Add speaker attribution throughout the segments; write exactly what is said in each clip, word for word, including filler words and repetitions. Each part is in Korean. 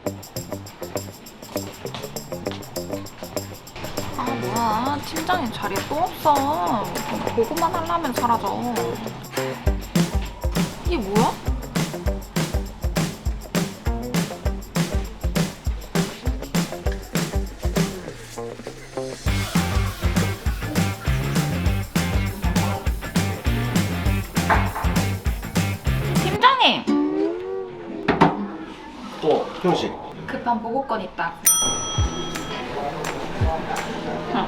Speaker 1: 아 뭐야, 팀장님 자리에 또 없어. 보고만 하려면 사라져. 이게 뭐야? 팀장님!
Speaker 2: 어, 형식.
Speaker 1: 급한 보고건 있다고요. 응.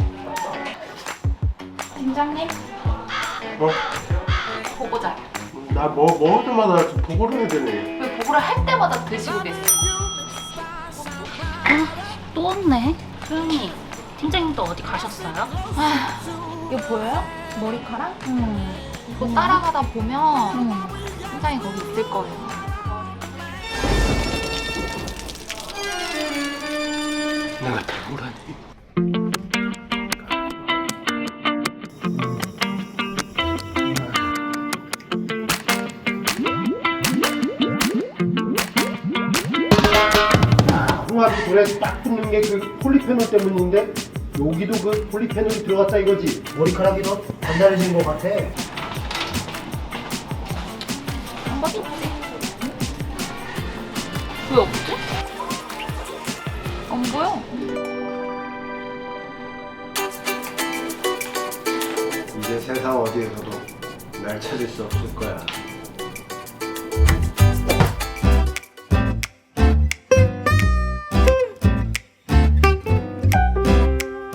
Speaker 1: 팀장님,
Speaker 2: 뭐?
Speaker 1: 보고자요.
Speaker 2: 나 뭐, 먹을 때마다 좀 보고를 해야 되네.
Speaker 1: 왜 보고를 할 때마다 드시고 계세요?
Speaker 3: 또 없네. 소영이, 팀장님도 어디 가셨어요?
Speaker 1: 아, 이거 보여요? 머리카락?
Speaker 3: 음.
Speaker 1: 이거 따라가다 보면
Speaker 3: 음.
Speaker 1: 팀장이 거기 있을 거예요.
Speaker 2: 내가 배우라니. 홍합이 불에 딱 붙는 게 그 폴리페놀 때문인데 여기도 그 폴리페놀이 들어갔다 이거지. 머리카락이 더 단단해진 것 같아.
Speaker 1: 방법이 있지. 왜 없지? 안 보여.
Speaker 2: 이제 세상 어디에서도 날 찾을 수 없을 거야.